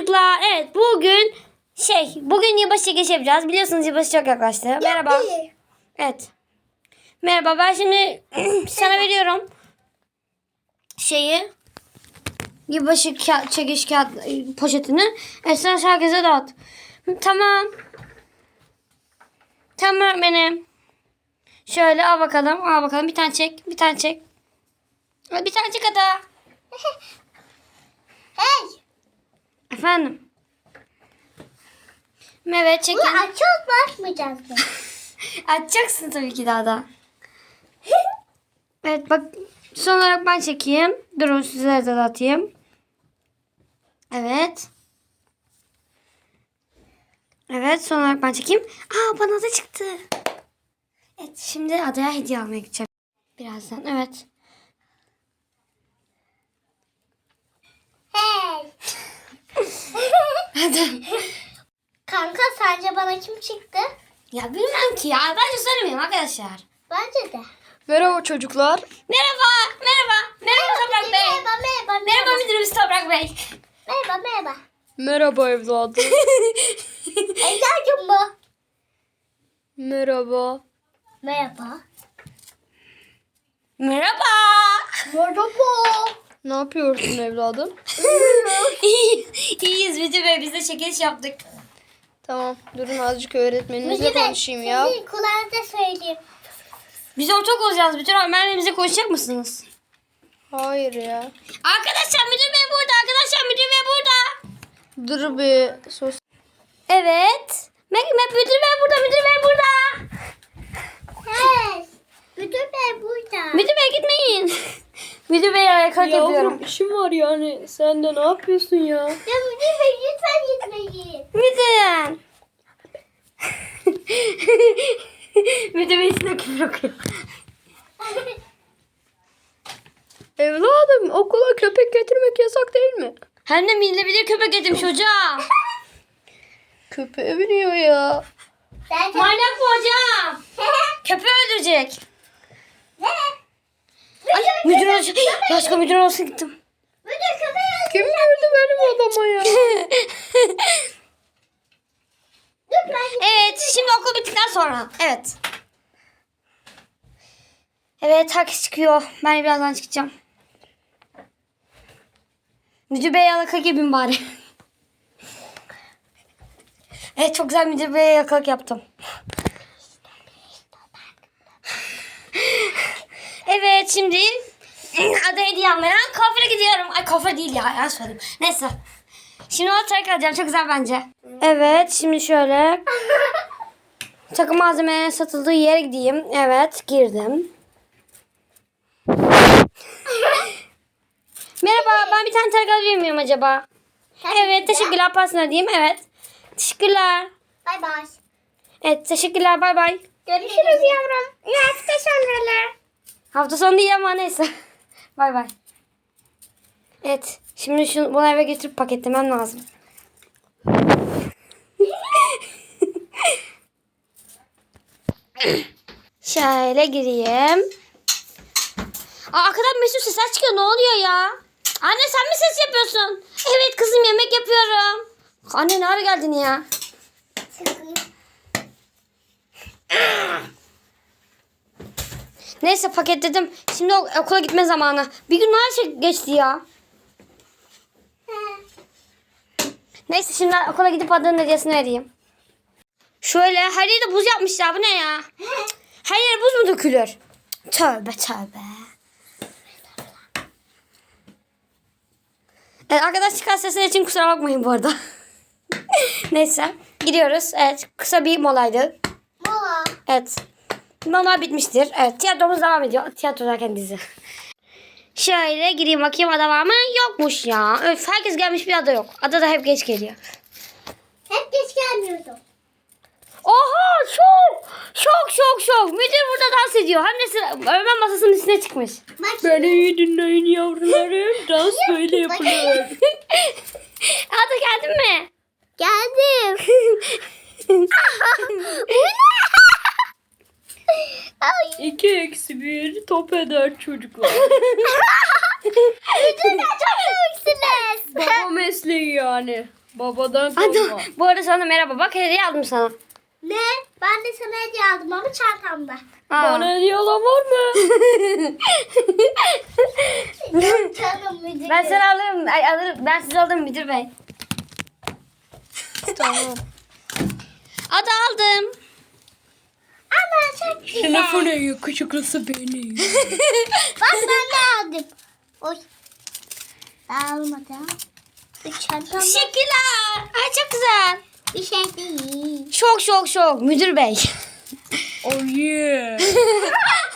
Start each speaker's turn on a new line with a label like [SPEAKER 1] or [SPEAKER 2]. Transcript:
[SPEAKER 1] çocuklar. Evet bugün yılbaşı çekilişi yapacağız. Biliyorsunuz yılbaşı çok yaklaştı. Merhaba. Evet. Merhaba, ben şimdi sana veriyorum yılbaşı çekiliş kağıt poşetini. Evet, sen herkese dağıt. Tamam. Tamam benim. Şöyle al bakalım. Al bakalım. Bir tane çek. Bir tane çek. Bir tane çek hadi.
[SPEAKER 2] Hey.
[SPEAKER 1] Efendim. Evet, çekin.
[SPEAKER 2] Bunu açıyoruz mu açmayacağız mı?
[SPEAKER 1] Açacaksın tabii ki daha da. Evet bak, son olarak ben çekeyim. Durun, size de atayım. Evet. Evet, son olarak ben çekeyim. Aa, bana da çıktı. Evet, şimdi adaya hediye almaya gideceğim. Birazdan, evet.
[SPEAKER 2] Hey.
[SPEAKER 1] Hadi.
[SPEAKER 2] Kanka sence bana kim çıktı?
[SPEAKER 1] Ya bilmem ki ya. Bence söylemeyeyim arkadaşlar.
[SPEAKER 2] Bence de.
[SPEAKER 3] Merhaba çocuklar.
[SPEAKER 1] Merhaba. Merhaba. Merhaba Toprak Bey.
[SPEAKER 2] Merhaba.
[SPEAKER 1] Merhaba müdürümüz Toprak Bey.
[SPEAKER 2] Merhaba.
[SPEAKER 3] Merhaba evladım.
[SPEAKER 2] Evladım mı?
[SPEAKER 3] Merhaba.
[SPEAKER 2] Merhaba.
[SPEAKER 1] Merhaba.
[SPEAKER 2] Merhaba.
[SPEAKER 3] Ne yapıyorsun evladım?
[SPEAKER 1] İyiyiz müdür bey. Biz de çekiliş yaptık.
[SPEAKER 3] Tamam, durun azıcık öğretmeninizle
[SPEAKER 2] Müdür bey,
[SPEAKER 3] konuşayım ya.
[SPEAKER 2] sizin kulağınıza söyleyeyim.
[SPEAKER 1] Biz ortak olacağız. Bütün öğretmenlerimize konuşacak mısınız?
[SPEAKER 3] Hayır ya.
[SPEAKER 1] Arkadaşlar müdür bey burada. Arkadaşlar müdür bey burada.
[SPEAKER 3] Dur bir sos.
[SPEAKER 1] Evet. Müdür bey burada. Müdür bey burada.
[SPEAKER 2] Hey. Müdür bey burada.
[SPEAKER 1] Müdür bey gitmeyin. Müdür bey ayakkabı yapıyorum.
[SPEAKER 3] Yavrum işim var yani. Sen de ne yapıyorsun ya?
[SPEAKER 2] Ya müdür bey lütfen gitmeyin.
[SPEAKER 1] Müdür. Müdür bey size küfür okuyor.
[SPEAKER 3] Evladım okula köpek getirmek yasak değil mi?
[SPEAKER 1] Hem de binilebilir köpek getirmiş hocam.
[SPEAKER 3] Köpeğe biniyor ya.
[SPEAKER 1] Manyak bu hocam. Köpeği öldürecek.
[SPEAKER 2] Ne?
[SPEAKER 1] Ay, müdür olsun. Başka müdür olsun gittim.
[SPEAKER 2] Müdür köpeği
[SPEAKER 3] Kim verdi benim adama ya?
[SPEAKER 1] Evet, şimdi okul bittikten sonra. Evet. Evet, herkes çıkıyor. Ben de birazdan çıkacağım. Müdür bey yalaka gibiyim bari. Evet, çok güzel müdür beye yakalık yaptım. Evet, şimdi ada hediye almaya kuaföre gidiyorum. Ay, kuaför değil ya, yanlış söyledim. Neyse. Şimdi o takı alacağım, çok güzel bence. Evet, şimdi şöyle takım malzemelerinin satıldığı yere gideyim. Evet, girdim. Merhaba, ben bir tane takı alabilir miyim acaba? Evet, teşekkürler. Pasını ödeyeyim. Evet. Teşekkürler.
[SPEAKER 2] Bay bay.
[SPEAKER 1] Evet, teşekkürler. Bay bay.
[SPEAKER 2] Görüşürüz yavrum. Evet, teşekkürler.
[SPEAKER 1] Hafta sonu değil ama neyse. Bay bay. Evet, şimdi bunu eve getirip paketlemem lazım. Şöyle gireyim. Aa, arkadan Mesut sesler çıkıyor. Ne oluyor ya? Anne, sen mi ses yapıyorsun? Evet kızım, yemek yapıyorum. Anne, ne ara geldin ya? Neyse, paketledim. Şimdi okula gitme zamanı. Bir gün her şey geçti ya. Neyse, şimdi okula gidip adanın hediyesini vereyim. Şöyle her yerde buz yapmışlar. Bu ne ya? Her yere buz mu dökülür? Tövbe tövbe. Evet, arkadaş çıkan sesler için kusura bakmayın bu arada. Neyse, gidiyoruz. Evet, kısa bir molaydı.
[SPEAKER 2] Mola.
[SPEAKER 1] Evet. Mola bitmiştir. Evet, tiyatromuz devam ediyor. Tiyatro derken dizi. Şöyle gireyim bakayım, ada var mı? Yokmuş ya. Öf, herkes gelmiş, bir ada yok. Ada da hep geç geliyor.
[SPEAKER 2] Hep geç gelmiyordum.
[SPEAKER 1] Oha, şok. Müdür burada dans ediyor. Hem de öğretmen masasının üstüne çıkmış.
[SPEAKER 2] Bak
[SPEAKER 3] Beni iyi dinleyin yavrularım. Dans böyle yapılır.
[SPEAKER 1] Ada geldin mi?
[SPEAKER 2] geldim. Ay.
[SPEAKER 3] 2-1 top eder çocuklar.
[SPEAKER 2] Müdürler çok komiksiniz.
[SPEAKER 3] Baba mesleği yani. Babadan
[SPEAKER 1] Hadi,
[SPEAKER 3] kalma.
[SPEAKER 1] bu arada sana merhaba. Bak hediye aldım sana.
[SPEAKER 2] Ne? Ben de sana hediye aldım ama çantamda.
[SPEAKER 1] Aa.
[SPEAKER 3] Bana hediye alan var mı?
[SPEAKER 2] Yok canım müdür.
[SPEAKER 1] Ben sana alırım. Ay, alırım. Ben size alırım müdür bey.
[SPEAKER 3] Tamam.
[SPEAKER 1] Adı aldım.
[SPEAKER 2] Ama çok güzel.
[SPEAKER 3] Sınıfın en yakışıklısı benim.
[SPEAKER 2] Bak ben de aldım. Oy. Almadım. Bu çantamda
[SPEAKER 1] Teşekkürler. Ay çok güzel.
[SPEAKER 2] bir şey değil.
[SPEAKER 1] Şok şok şok müdür bey.
[SPEAKER 3] Oh yeah.